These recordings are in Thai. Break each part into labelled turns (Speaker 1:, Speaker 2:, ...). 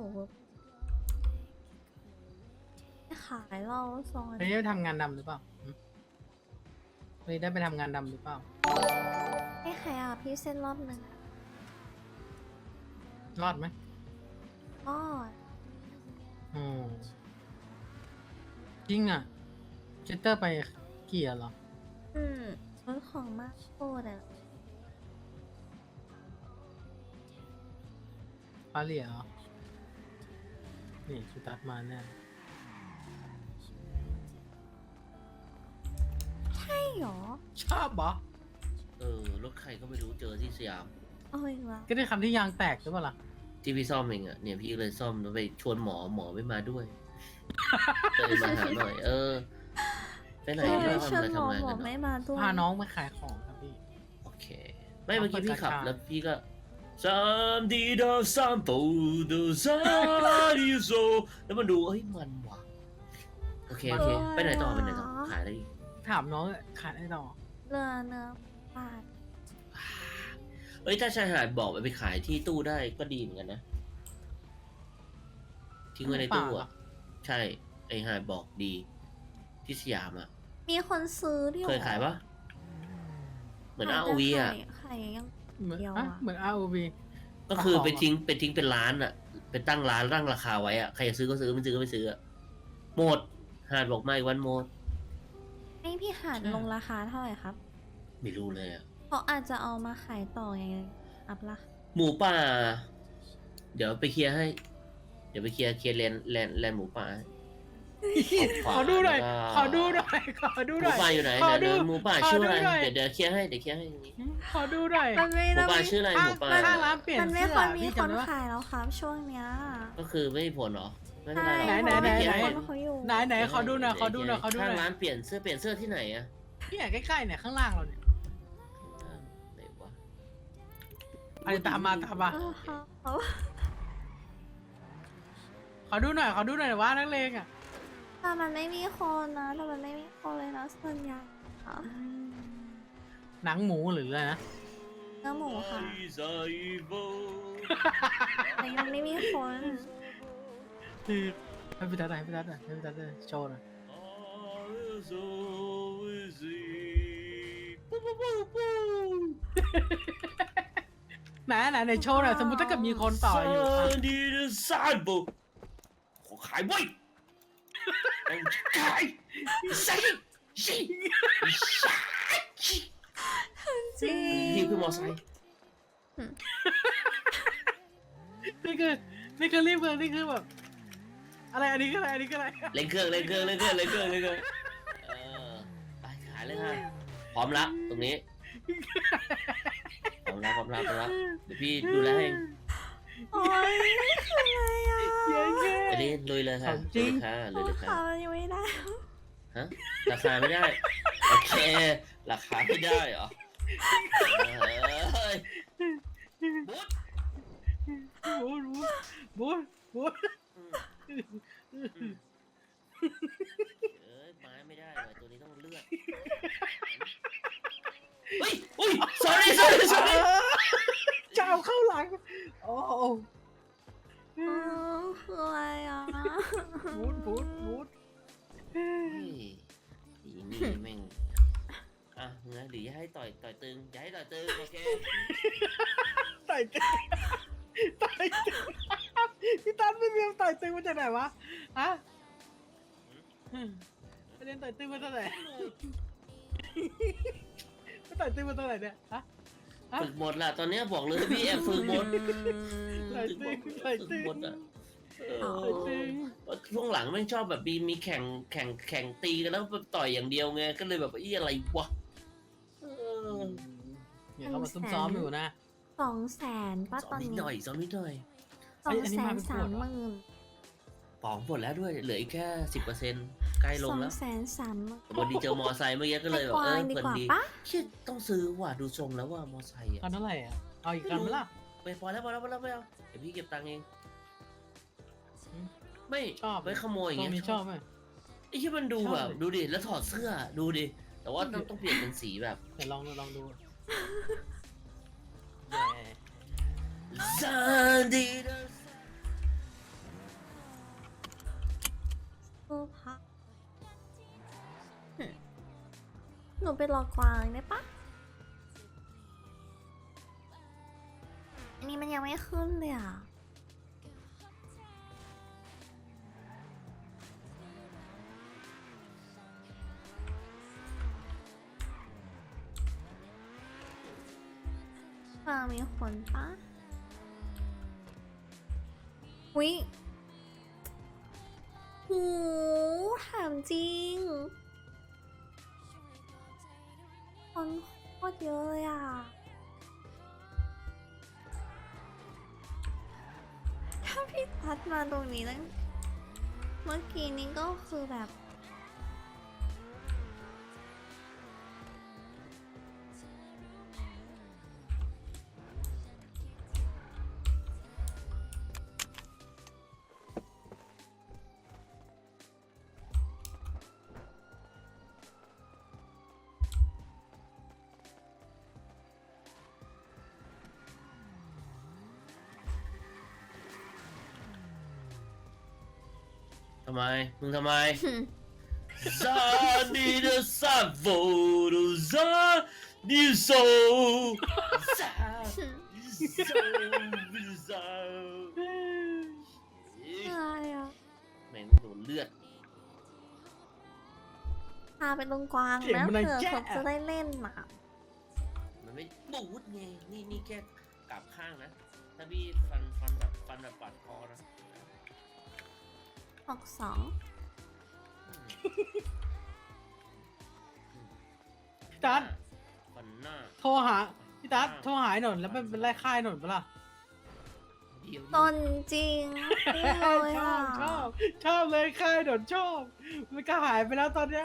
Speaker 1: ขายเราซอง
Speaker 2: วันนี้ได้ไปทำงานดำหรือเปล่าวันนี้ได้ไปทำงานดำหรือเปล่า
Speaker 1: ให้ใครอ่ะพี่เส้นรอบหนึ่ง
Speaker 2: รอดไหม
Speaker 1: ก็
Speaker 2: อืมจริงอ่ะเจตเตอร์ไปเกี่ยเหรอ
Speaker 1: รถของมากโคตรอ่ะ
Speaker 2: ปาเหลียเหรอ นี่ชูตัดมาแน่
Speaker 1: ใช่หรอ
Speaker 2: ชอบเหรอ
Speaker 3: รถใครก็ไม่รู้เจอที่สยาม
Speaker 1: เอาอีกแล้ว
Speaker 2: ก็ได้คำที่ยางแตกหรือเปล่าล่ะ
Speaker 3: ที่พี่ซ่อมเองอ่ะเนี่ยพี่เลยซ่อมแล้วไปชวนหมอไม่มาด้วยเลยมาหาหน่อย ไปไหน
Speaker 1: เอ
Speaker 3: ไม่
Speaker 1: อ
Speaker 3: ว่า
Speaker 1: เชิญ
Speaker 3: มา
Speaker 1: หมอ
Speaker 3: ทำงาน
Speaker 1: หม
Speaker 3: กั
Speaker 1: อน ไม่
Speaker 3: เนาะ
Speaker 1: มาด้วย
Speaker 2: พาน้องไปขายของครับพี่
Speaker 3: โอเคไม่เมื่อกี้พี่ขับ
Speaker 2: เอาเปิดกระชา
Speaker 3: แล้วพี่ก็3D 的散步的ซาดิโซแล้วมันดูเฮ้ยมันว่ะโอเคไปไหนต่อขายอะไรอีก
Speaker 2: ถามน้องขายได้ต่อ
Speaker 1: เนื้อปาด
Speaker 3: ถ้าชายหาดบอกไปขายที่ตู้ได้ก็ดีเหมือนกันนะทิ้งไว้ในตู้อ่ะใช่ไอหาดบอกดีที่สยามอ่ะ
Speaker 1: มีคนซื้อที่
Speaker 3: เคยขายปะเหมือน ROV อ่ะ
Speaker 1: ขายยัง
Speaker 2: เหมือน
Speaker 1: เดียว
Speaker 2: อ่ะ
Speaker 1: อะ
Speaker 2: เหมือน ROV
Speaker 3: ก็คือ
Speaker 2: ของ
Speaker 3: ไปทิ้งเป็นร้านอ่ะเป็นตั้งร้านตั้งราคาไว้อ่ะใครจะซื้อก็ซื้อไม่ซื้อก็ไม่ซื้ออ่ะหมดหาดบอกไม่วันหมด
Speaker 1: ให้พี่หานลงราคาเท่าไหร่ครับ
Speaker 3: ไม่รู้เลยอ่ะ
Speaker 1: เขาอาจจะเอามาขายต่อไงอัพละ
Speaker 3: หมูป่า เดี๋ยวไปเคลียร์ให้ เดี๋ยวไปเคลียร์แลนหมูป่าให้
Speaker 2: ขอดูหน่อย
Speaker 3: แล้วก็
Speaker 2: ขอดูหน่อย ขอดู
Speaker 3: ห
Speaker 2: ห
Speaker 3: มู
Speaker 2: น่อย
Speaker 3: ป่าอยู่ไหน
Speaker 2: ขอดู
Speaker 3: เดี๋ยวหมูป่าชื่ออะไร
Speaker 2: ขอดูหน่อย
Speaker 3: เดี๋ยวเคลียร์ให้อย่างนี้
Speaker 2: ขอดูหน่อย
Speaker 1: มันไม่
Speaker 3: หมู
Speaker 1: ได้
Speaker 3: ป่าชื่ออะไรหมูป่า
Speaker 2: ข้างร้านเปลี่ยน
Speaker 1: มันไม่
Speaker 2: เสื้
Speaker 1: ค่
Speaker 2: อ
Speaker 1: อยมี
Speaker 2: พี่
Speaker 1: คน
Speaker 2: จำได้ปะ
Speaker 1: ขายแล้วครับช่วงเนี้ย
Speaker 3: ก็คือไม่มีผลเหรอไม่เป็น
Speaker 1: ใช่
Speaker 3: ไรหรอก
Speaker 2: ไหน
Speaker 1: เพราะว่า
Speaker 2: ไหน
Speaker 1: มีคนเขาอยู่
Speaker 2: ไหนขอดูหน่อยขอดูหน่อยขอดูห
Speaker 3: ข้าง
Speaker 2: น่อย
Speaker 3: ร้านเปลี่ยนเสื้อที่ไหนอะ
Speaker 2: เนี่ยใกล้ๆเนี่ยข้างล่างเราเนี่ย
Speaker 3: ไหนวะ
Speaker 2: อะไรตามมา
Speaker 1: เออเขา
Speaker 2: ขอดูหน่อยว่านักเลงอ่ะ
Speaker 1: แต่มันไม่มีคนนะแต่มันไม่มีคนเลยนะส่วนใหญ่ค่ะ
Speaker 2: หนังหมูหรืออะไรนะ
Speaker 1: เนื้อหมูค่ะแต่ยังไม่มีคน
Speaker 2: คือให้พี่ตัดโชว์หน่อยไหนโชว์หน่อยสมมติถ้าเกิดมีคนต่ออยู่อ่ะ
Speaker 3: ดีนะซาบุขอขายไว้ขายใส่ชิ
Speaker 1: จริง
Speaker 3: พี่ขึ้นมอไซค์
Speaker 2: นี่คือรีบเลยนี่คือแบบอะไรอันนี้คืออะไร
Speaker 3: เล่นเครื่องไปขายเลยค่ะพร้อมละตรงนี้พร้อมละเดี๋ยวพี่ดูแลให้
Speaker 1: โอ้ยนี่คืออะไรอ่ะ
Speaker 2: เย้เย้
Speaker 3: อันนี้ลุยเลยค่ะ
Speaker 2: ของจริง
Speaker 3: ลุยเลยค่ะ
Speaker 1: เขายังไม่ได้
Speaker 3: ฮะราคาไม่ได้โอเคราคาไม่ได้เหรอบุ๊ด
Speaker 2: บูด
Speaker 3: ไม้ไม่ได้ว่ะตัวนี้ต้องเลือกเฮ้ยอุ้ย sorry
Speaker 2: จะเอาเข้าหลังโอ้
Speaker 1: คืออะไรอ่ะ
Speaker 2: บูด
Speaker 3: เฮ้ยนี่แม่งอ่ะเงี้ยหรือจะให้ต่อยตึงโอเค
Speaker 2: ต่อยตึงพี่ตั้นไม่มีต่อยตึงมาจากไหนวะฮะประเด็นต่อยตึงมาจากไหนต่อยตึงมาจากไหนเนี่ยฮะ
Speaker 3: ฝึกหมดละตอนนี้บอกเลยพี่แอบฝึกหมด
Speaker 2: ต่อยตึง
Speaker 3: หมดอ่ะช่วงหลังแม่งชอบแบบมีแข่งตีกันแล้วแบบต่อยอย่างเดียวไงก็เลยแบบอะไรวะ
Speaker 2: เนี่ยเขามาซ้อมอยู่นะ
Speaker 1: 200,000ป่ะ
Speaker 3: ซ้
Speaker 1: ต
Speaker 3: อ
Speaker 1: อ
Speaker 3: ม
Speaker 1: น
Speaker 3: นิด
Speaker 1: นี้
Speaker 3: หน่อย
Speaker 2: อันนี้มาเป็นขวดเหรอ
Speaker 1: 230,000
Speaker 3: ปองหมดแล้วด้วยเหลืออีกแค่ 10%ใกล้ลงแล้ว
Speaker 1: 230,000
Speaker 3: วันดีเจอมอไซค์เมื่อกี้ก็เลยแบบ
Speaker 1: ไปกวางดี
Speaker 3: เพลิน
Speaker 1: กว่า
Speaker 3: ดี
Speaker 1: ปะ
Speaker 3: เชี่ยต้องซื้อว่ะดูทรงแล้วว่ามอไซค์
Speaker 2: คันเท่าไหร่อ่ะเอาอีกคันไหมล่ะ
Speaker 3: ไปพอแล้วไม่เอาเดี๋ยวพี่เก็บตังค์เอง ไม่
Speaker 2: ชอบ
Speaker 3: ไปขโมยอย่างเงี้ย
Speaker 2: ชอบไหม
Speaker 3: ไอ้ที่มันดู
Speaker 2: ชอบ
Speaker 3: แบบดูดิแล้วถอดเสื้อดูดิแต่ว่าต้องเปลี่ยนเป็นสีแบบ
Speaker 2: เดี๋ยวลองดู
Speaker 3: ซาดี
Speaker 1: นูไปรอกวางได้ปะอันนี้มันยังไม่ขึ้นเลยอ่ะฟังมีคนปะอุ๊ยหูถามจริง คนโคตรเยอะเลยอ่ะ ถ้าพี่ตัดมาตรงนี้ตั้งเมื่อกี้นี้ก็คือแบบ
Speaker 3: ทำไมมึงทำไม ซาดีเดซาโวโดซาดิโซซาโซซา
Speaker 1: อะไรอ่ะ
Speaker 3: แม่งโดนเลือด
Speaker 1: พาไปตรงกวาง
Speaker 2: เสียง
Speaker 1: นะ
Speaker 2: มันดัง
Speaker 1: เผื่อ
Speaker 2: แจ๊ะ
Speaker 1: เขาจะได้เล่นอ่ะ
Speaker 3: มันไม่บูดไงนี่แค่กลับข้างนะ ถ้าพี่ฟันแบบปัดคอนะ
Speaker 1: ออกสอง
Speaker 2: พี่ตัด
Speaker 3: ฟันหน้า
Speaker 2: โทรหาพี่ตัดโทรหาไอ้หนนแล้วมันเป็นไล่ค่ายหนนปะล่ะ
Speaker 3: เดี๋ยว
Speaker 1: ตนจริงนี่เลย
Speaker 2: ชอ
Speaker 1: อ่ะ
Speaker 2: บชอบเลยค่ายหนนชอบ มันก็หายไปแล้วตอนเนี้ย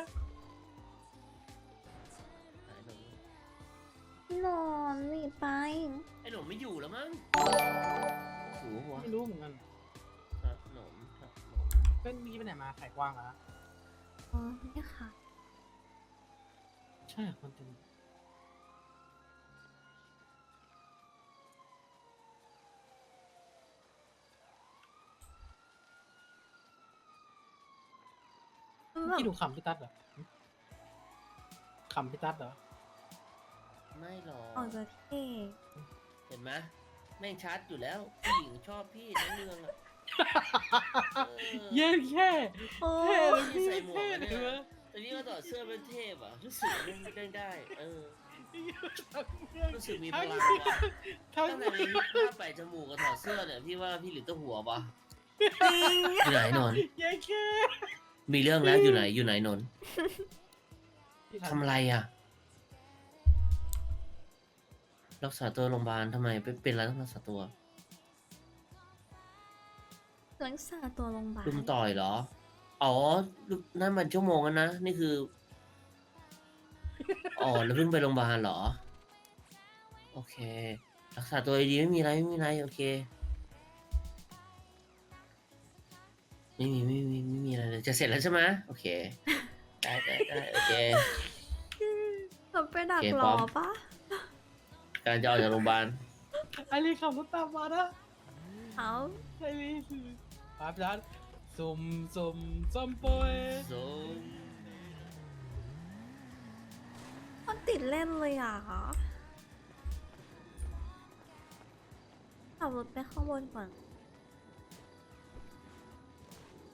Speaker 1: พี่นอนหนีไป
Speaker 3: ไอ้หนุ่มไม่อยู่แล้วมั้งหูหัว
Speaker 2: ไม่รู้เหมือนกัน
Speaker 3: หนุ่ม
Speaker 2: เป็นมีไปไหนมาไข่กว้างอะนะ
Speaker 1: อ๋อนี่ค่ะ
Speaker 2: ใช่คนเต็ม
Speaker 1: แบบ
Speaker 2: พี่ดูขำพี่ตัดเหรอขำพี่ตัดเหรอ
Speaker 3: ไม่หรอก
Speaker 1: ออกจะเท่
Speaker 3: เห็นไหมแม่งชัดอยู่แล้วผู้หญิงชอบพี่ทั้งเรื่องอะ
Speaker 2: เย็นแค่
Speaker 1: โอ้
Speaker 2: เท่เลย
Speaker 3: พี่
Speaker 2: พี่
Speaker 3: ใส่หมวก
Speaker 2: เท่
Speaker 3: อะ
Speaker 2: เล
Speaker 3: เนี่ย
Speaker 2: ย
Speaker 3: แต่นี่ก็ต่อดเสื้อเป็นเทพอ่ะรู้สึกได้รู้สึกมีพลังว่ะ
Speaker 2: ทั้ง
Speaker 3: ตั้งแต่มีภาพแปะจมูกกับถอดเสื้อเนี่ยพี่ว่าพี่หรือตัวหัวปะ
Speaker 1: จริง
Speaker 3: อยู่ไหนนนท์
Speaker 2: เย็นแค่
Speaker 3: มีเรื่องแล้วอยู่ไหนนนท์ทำอะไรอ่ะรักษาตัวโรงพยาบาลทำไมเป็นอะไรต้องรักษาตัว
Speaker 1: รักษาตัวโรงพยาบาล
Speaker 3: ลุมต่อยเหรออ๋อนั่นมันชั่วโมงแล้วนะนี่คืออ๋อแล้วเพิ่งไปโรงพยาบาลเหรอโอเครักษาตัวดีๆไม่มีอะไรโอเคไม่มีอะไรเลยจะเสร็จแล้วใช่ไหมโอเคได้โอเค
Speaker 1: เราไปดัก
Speaker 3: โอเค
Speaker 1: ร
Speaker 3: พร้
Speaker 1: อ
Speaker 3: อม
Speaker 1: ปะ
Speaker 3: การจะออกจากโรงพยาบาล
Speaker 2: ไอรีขับรถตามมานะ
Speaker 1: เอา
Speaker 2: ไอรีป้าพี่ตัดสุ่มโปย
Speaker 3: ส่ง
Speaker 1: มันติดเล่นเลยอ่ะขับรถไปข้างบนก่อน